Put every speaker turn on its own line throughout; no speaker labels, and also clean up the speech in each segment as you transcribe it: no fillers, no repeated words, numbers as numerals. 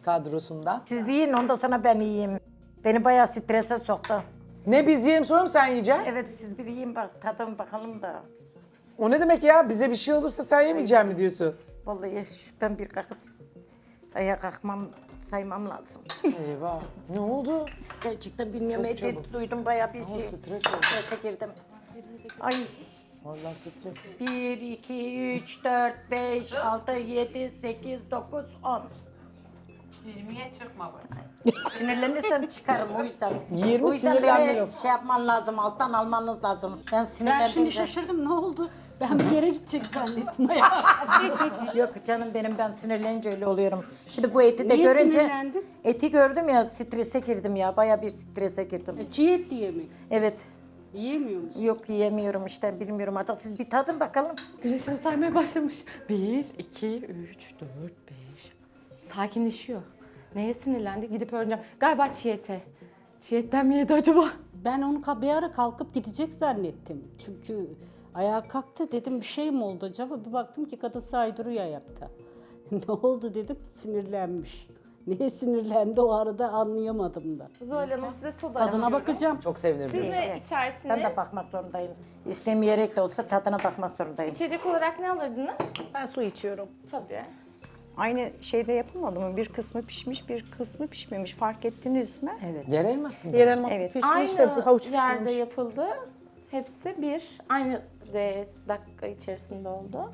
kadrosundan.
Siz yiyin ondan sonra ben yiyeyim. Beni bayağı strese soktu.
Ne biz yiyelim sonra mı sen yiyeceksin?
Evet siz bir yiyin bak tadın bakalım da.
O ne demek ya? Bize bir şey olursa sen yemeyecek mi diyorsun?
Vallahi ben bir kalkıp ayağa kalkmam saymam lazım.
Eyvah. Ne oldu?
Gerçekten bilmiyorum.
Çok
Eti
çabuk.
duydum bayağı bir
Ne oldu?
şey.
Stres oldu.
Strese girdim. Ay
Vallahi stres.
1, 2, 3, 4, 5, 6, 7, 8, 9, 10.
20'ye çıkma bak.
Sinirlenirsem çıkarım o yüzden.
20
o yüzden
sinirlenme
beni
yok.
şey yapman lazım, alttan almanız lazım. Ben
Ben
sinirlendim.
şimdi şaşırdım ne oldu? Ben bir yere gidecek zannettim.
Yok canım benim ben sinirlenince öyle oluyorum. Şimdi bu eti de
Niye
görünce
sinirlendin?
eti gördüm ya strese girdim ya. Bayağı bir strese girdim.
Çiğ et diye mi?
Evet.
Yiyemiyor musun?
Yok yiyemiyorum işte bilmiyorum artık siz bir tadın bakalım.
Güneşim saymaya başlamış. 1, 2, 3, 4, 5. Sakinleşiyor. Neye sinirlendi? Gidip öğreneceğim. Galiba çiğ ete. Çiğ etten mi yedi acaba?
Ben onu bir ara kalkıp gidecek zannettim. Çünkü ayağa kalktı dedim bir şey mi oldu acaba? Bir baktım ki kadın saydırıyor ayakta. Ne oldu dedim sinirlenmiş. Neye sinirlendi o arada anlayamadım da.
Zuhal Hanım size soda
Tadına
açıyorum.
bakacağım.
Çok sevinirim.
Siz ne
Ben
içersiniz?
de bakmak zorundayım. İstemeyerek de olsa tadına bakmak zorundayım.
İçecek olarak ne alırdınız?
Ben su içiyorum.
Tabii.
Aynı şeyde yapılmadı mı? Bir kısmı pişmiş, bir kısmı pişmemiş. Fark ettiniz mi?
Evet.
Yer elmasın.
Diğer elması
Evet.
pişmiş de havuç
Aynı yerde
pişmemiş.
yapıldı. Hepsi aynı dakika içerisinde oldu.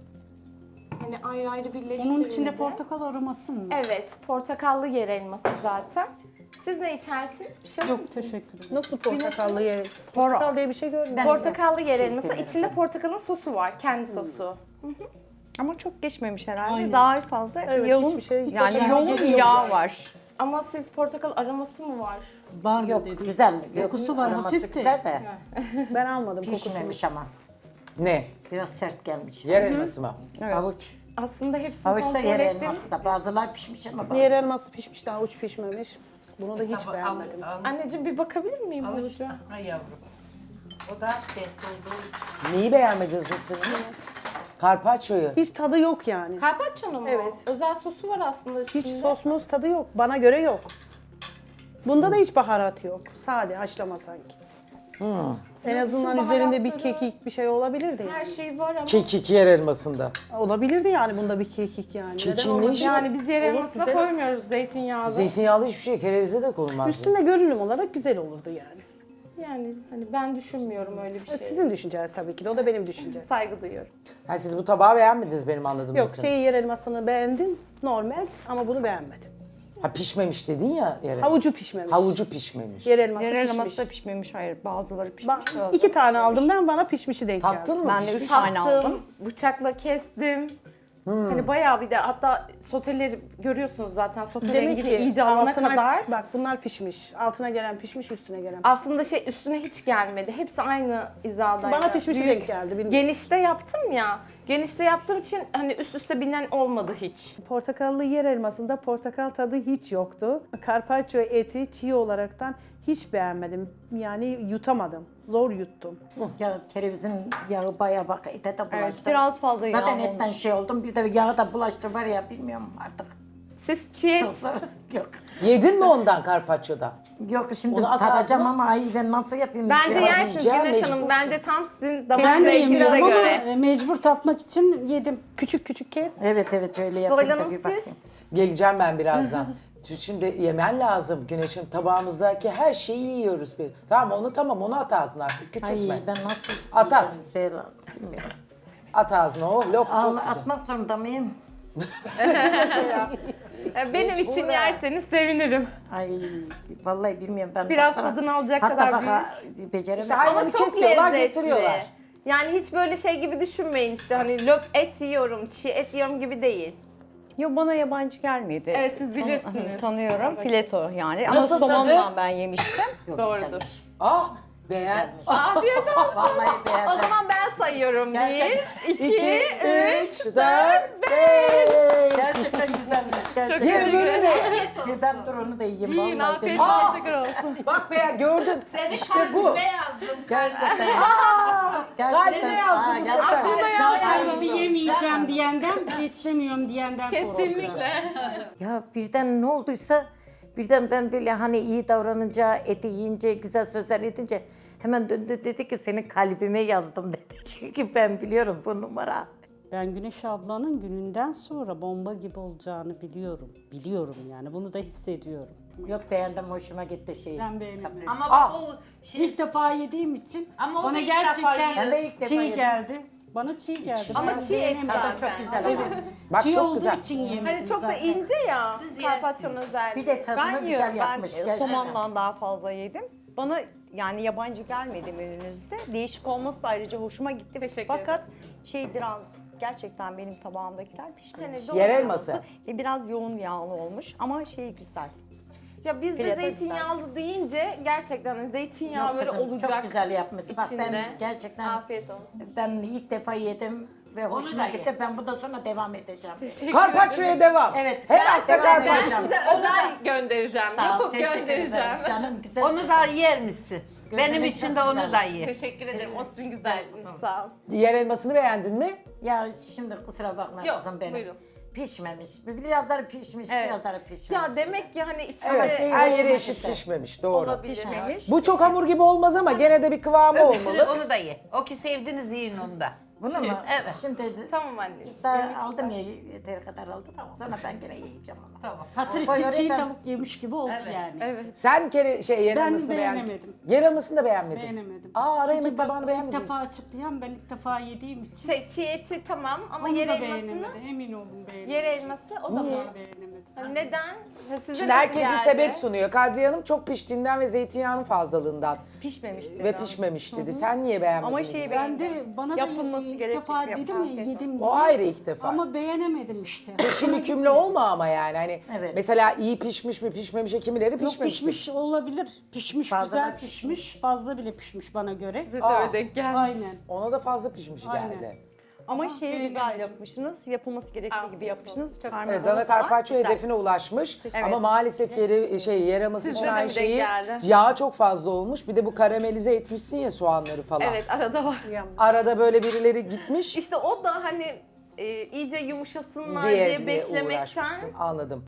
Hani ayrı ayrı birleştirildi.
Onun içinde portakal aroması mı?
Evet, portakallı yer elması zaten. Siz ne içersiniz? Bir şey alır
Yok
mısınız?
teşekkür ederim.
Nasıl portakallı yer? Portakal diye bir şey görmedim.
Portakallı yer elması. İçinde portakalın sosu var, kendi sosu.
Ama çok geçmemiş herhalde.
Aynen.
Daha fazla
Evet,
yoğun,
hiçbir şey-
yani
hiçbir
yoğun
şey
bir yağ var.
Ama siz portakal aroması mı var?
Var mı
Yok
dedim.
güzel.
Kokusu var,
aroması
hafif de.
Güzel de
Ben almadım kokusunu.
pişmemiş ama.
Ne?
Biraz sert gelmiş.
Yer elması mı?
Havuç.
Aslında hepsini
Havuç da
kontrol
yer
ettim.
elması da. Bazılar pişmiş ama
Diğer elması pişmiş de havuç pişmemiş. Bunu da hiç beğenmedim.
Anneciğim bir bakabilir miyim havuca?
Ha yavrum. O da sert olduğu
Neyi beğenmediniz lütfen? Carpaccio'yu.
Hiç tadı yok yani.
Carpaccio'nun mu?
Evet.
Özel sosu var aslında üstünde.
Hiç sos mos tadı yok. Bana göre yok. Bunda da hiç baharat yok. Sade haşlama sanki. En azından
Bütün
üzerinde bir
baharatları-
kekik bir şey olabilirdi
Her
yani.
şey var ama.
Kekik yer elmasında.
Olabilirdi yani bunda bir kekik yani.
Kekin
Neden
ne
olmasın?
işi
Yani biz yer
Olur,
elmasına
güzel.
koymuyoruz zeytinyağlı.
Zeytinyağlı hiçbir şey kerevize de konulmaz.
Üstünde görünüm olarak güzel olurdu yani.
Yani hani ben düşünmüyorum öyle bir şey.
Sizin düşünceniz tabii ki de. O da benim düşüncem.
Saygı duyuyorum.
Ha, siz bu tabağı beğenmediniz benim anladığım
Yok
kadarıyla.
şeyi yer elmasını beğendim. Normal ama bunu beğenmedim.
Ha, pişmemiş dedin ya yer elması.
Havucu pişmemiş.
Havucu pişmemiş.
Yer elması
Yer
pişmiş.
elması da pişmemiş. Hayır, bazıları pişmiş.
Ben 2 tane aldım ben, bana pişmişi denk geldi.
Tattın mı?
Ben de 3 tane
Tattım,
aldım.
bıçakla kestim. Hani bayağı bir de hatta soteleri görüyorsunuz zaten sote rengi
Demek
de
ki
iyice alana
altına,
kadar.
bak bunlar pişmiş. Altına gelen pişmiş, üstüne gelen pişmiş.
Aslında üstüne hiç gelmedi. Hepsi aynı hizadaydı.
Bana pişmişi
Büyük.
denk geldi. Bilmiyorum.
Genişte yaptım ya. Genişte yaptığım için hani üst üste binen olmadı hiç.
Portakallı yer elmasında portakal tadı hiç yoktu. Carpaccio eti çiğ olaraktan hiç beğenmedim. Yani yutamadım. Zor yuttum.
Ya kerevizin yağı bayağı bak ete de bulaştı.
Evet, biraz fazla yağ
Zaten etten
olmuş.
şey oldum bir de yağı da bulaştı var ya bilmiyorum artık.
Siz çiğ et
Yok.
Yedin mi ondan Carpaccio'dan?
Yok şimdi
Onu at
tadacağım
ağzına.
ama ay ben nasıl yapayım?
bence
Ya,
yersiniz
yiyeceğim,
Güneş Hanım.
mecbursun.
Bence tam sizin damak
Ben de
zevkinize
yemiyorum ama
göre.
mecbur tatmak için yedim.
Küçük küçük kes.
Evet öyle
Zuhal
yapayım da
Hanım
bir
siz?
bakayım.
Geleceğim ben birazdan. Şimdi yemen lazım Güneş'im. Tabağımızdaki her şeyi yiyoruz. Tamam onu at ağzına artık. Küçültme.
Ay ben nasıl
At, at.
Şey, bilmiyorum.
At ağzına o. Lok çok güzel.
Atmak zorunda mıyım?
Benim için yerseniz sevinirim.
Ay vallahi bilmiyorum ben.
Biraz
baksana,
tadını alacak
hatta
kadar
baka, beceremedim.
İşte hayvanı
Ama çok
kesiyorlar,
lezzetli.
getiriyorlar.
Yani hiç böyle şey gibi düşünmeyin işte hani löp et yiyorum, çiğ et yiyorum gibi değil.
Yo, bana yabancı gelmedi.
Evet, siz bilirsiniz.
Tanıyorum. Fileto yani. Ama
Nasıl
somonla
tadı?
ben yemiştim.
Doğrudur.
Aa, Beğen.
Afiyet olsun.
Vallahi
O
beğendim.
zaman ben sayıyorum. 1,
Gerçekten.
2,
3,
3,
4, 5.
Gerçekten güzelmiş. Gerçekten.
Ye öbürünü de.
Ben dur onu da yiyeyim.
Yiyin
Vallahi
afiyet
benim-
teşekkür olsun.
Bak beğen gördün.
Seni
İşte bu.
kalbime yazdım.
Gerçekten.
Kalbine yazdım bu sefer.
Zaten bir yemeyeceğim diyenden, bir istemiyorum diyenden korkacağım.
Kesinlikle.
Ya birden ne olduysa birden ben böyle hani iyi davranınca, eti yiyince, güzel sözler edince hemen döndü dedi ki senin kalbime yazdım dedi. Çünkü ben biliyorum bu numara.
Ben Güneş ablanın gününden sonra bomba gibi olacağını biliyorum. Biliyorum yani, bunu da hissediyorum.
Yok beğendim, hoşuma gitti şey.
Ben beğenmedim.
Ama bak o şey,
İlk defa yediğim için
Ama o da
bana
ilk defa
gerçekten
yiyor.
Ben de ilk defa
çiğ
yedim.
geldi. Bana çiğ geldi.
Ama
Ben
çiğ et
beğenemedim.
zaten.
Çok güzel ama.
Bak
Çiğ
çok
olduğu
güzel.
için yemedim
Hani çok da
zaten.
ince ya.
Siz
Karpaccio'nun özelliği.
Bir de tadını
Ben
güzel
yiyorum.
yapmış.
Ben
gerçekten.
somondan daha fazla yedim. Bana yani yabancı gelmedi menünüzde. Değişik olması da ayrıca hoşuma gitti.
Teşekkür
Fakat şey biraz gerçekten benim tabağımdakiler pişmemiş.
Hani doğru.
Yer elması.
Ve biraz yoğun yağlı olmuş ama şey güzel.
Ya biz de
Fiyatı
zeytinyağlı deyince gerçekten zeytinyağı
Yok
böyle
kızım,
olacak.
çok güzel yapmış. Bak
içinde.
ben gerçekten
Afiyet olsun.
ben ilk defa yedim ve
Onu
hoşuma
da
gitti.
ye.
Ben bundan sonra devam edeceğim.
Karpaccio'ya devam.
Evet.
Her
Ben
hafta
devam
Ben
edeceğim.
karpaccio.
size özel göndereceğim.
Sağ ol,
Yapıp
teşekkür
göndereceğim.
ederim. Canım güzel.
onu da yer misin? Benim
Gözlemek
için
çok
de onu
güzel.
da ye.
Teşekkür ederim. O sizin güzelliğiniz. Sağ ol.
Yer elmasını beğendin mi?
Ya şimdi kusura bakma
Yok,
kızım benim.
buyurun.
Pişmemiş. Birazları pişmiş,
Evet.
birazları pişmemiş.
Ya demek ki hani içinde
Evet,
şey
her
hoşuma
yeri eşit
gitti.
pişmemiş. Doğru.
olabilir.
Pişmemiş.
Bu çok hamur gibi olmaz ama gene de bir kıvamı
Öbürsünü
olmalı.
onu da ye. O ki sevdiniz yiyin onu da.
Bunu mu?
Evet.
Şimdi
Tamam anneciğim.
ben aldım ya yeteri kadar aldım. Sonra ben gene yiyeceğim onu.
Tamam.
Hatır
Koy
için
oraya
çiğ
ben-
tavuk yemiş gibi oldu
Evet.
yani.
Evet.
Sen yer
Ben
elmasını beğendin.
beğenemedim.
Yer elmasını da beğenmedin.
Beğenemedim.
Aa, ara
Çünkü
yemek
bak,
tabağını
ilk
beğenmedin.
defa açıklayacağım, ben ilk defa yediğim için.
Çiğ eti tamam ama
Onu
yer
da
elmasını,
beğenemedim, emin olun beğenemedim.
yer elması o da
Niye?
mı?
Beğenemedim.
Hani neden? Ha, size
Şimdi
nasıl
herkes bir
geldi?
sebep sunuyor. Kadriye Hanım çok piştiğinden ve zeytinyağının fazlalığından
Pişmemiş dedi.
ve pişmemiş dedi. Sen niye beğenmedin?
Ama şey
Ben
beğendim.
de bana da
Yapılması
ilk
gerektiği
defa
gibi
dedim ya
yapılması.
yedim
O
diye.
ayrı ilk defa.
Ama beğenemedim işte.
Peşin hükümlü olma ama yani. Hani
Evet.
mesela iyi pişmiş mi pişmemiş mi, kimileri
Yok
pişmemiş.
pişmiş olabilir. Pişmiş,
Fazla
güzel
da
pişmiş. Fazla bile pişmiş bana göre.
Size de öyle denk gelmiş.
Aynen.
Ona da fazla pişmiş
Aynen.
geldi.
Ama şeyi güzel yapmışsınız. Yapılması gerektiği
Afiyet
gibi yapmışsınız.
olsun. Çok
Parmesanı
Evet, Dana
falan
Carpaccio
güzel.
hedefine ulaşmış.
Evet.
Ama maalesef yer elması
Sizde
için
de
aynı
mi denk
şeyi
geldi?
yağı çok fazla olmuş. Bir de bu karamelize etmişsin ya soğanları falan.
Evet arada var.
Arada böyle birileri gitmiş
İşte o da hani iyice yumuşasınlar diye,
diye
beklemekten
uğraşmışsın. Anladım.